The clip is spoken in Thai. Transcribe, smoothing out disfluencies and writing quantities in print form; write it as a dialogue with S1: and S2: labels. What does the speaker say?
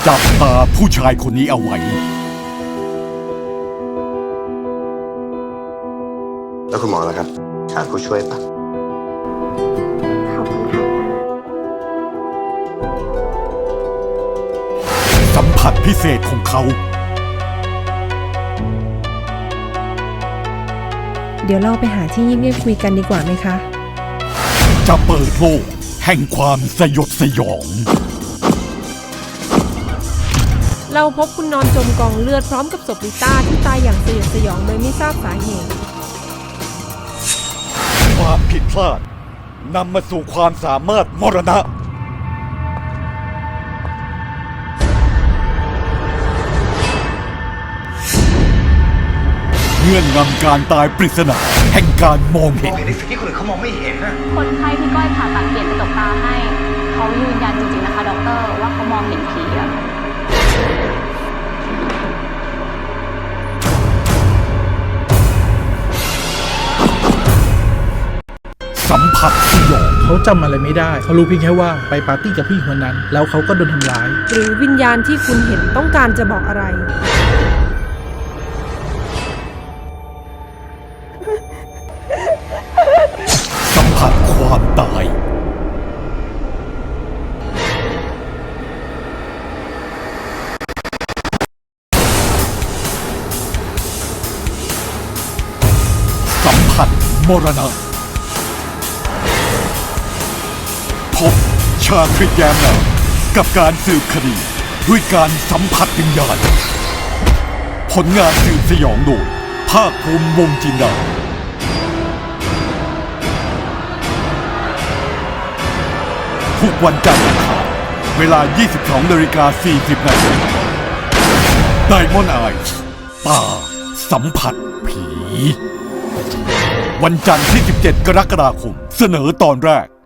S1: จับตาผู้ชายคนนี้เอาไว้
S2: แล้วคุณหมอล่ะครับขาดผู้ช่วยปะ
S3: ขอบคุณค่ะ
S1: สัมผัสพิเศษของเขา
S4: เดี๋ยวเราไปหาที่เงียบๆคุยกันดีกว่าไหมคะ
S1: จะเปิดโลกแห่งความสยดสยอง
S4: เราพบคุณนอนจมกองเลือดพร้อมกับศพลิต้าที่ตายอย่างสยดสยองโดยไม่ทราบสาเหตุ
S1: ความผิดพลาดนำมาสู่ความสามารถมรณะเงื่อนงำการตายปริศนาแห่งการมองเห็น
S2: ในสิ่งที่คนอื่นเขามองไม่เห็นนะ
S5: คนไข้ที่ก้อยผ่าตัดเปลี่ยนกระจกตาให้เขายืนยันจริงๆนะคะด็อกเตอร์ว่าเขามองเห็นผีอะ
S1: สัมผัสสยอง
S6: เขาจำอะไรไม่ได้เขารู้เพียงแค่ว่าไปปาร์ตี้กับผู้หญิงคนนั้นแล้วเขาก็โดนทำร้าย
S4: หรือวิญญาณที่คุณเห็นต้องการจะบอกอะไร
S1: สัมผัสความตายสัมผัสมรณะพบชาคริตแย้มนามกับการสืบคดีด้วยการสัมผัสวิญญาณผลงานสืบสยองโดยภาคภูมิวงศ์จินดาทุกวันจันทร์อังคารเวลา 22:40 น.ไดมอนด์ไอส์ตาสัมผัสผีวันจันทร์ที่ 17 กรกฎาคมเสนอตอนแรก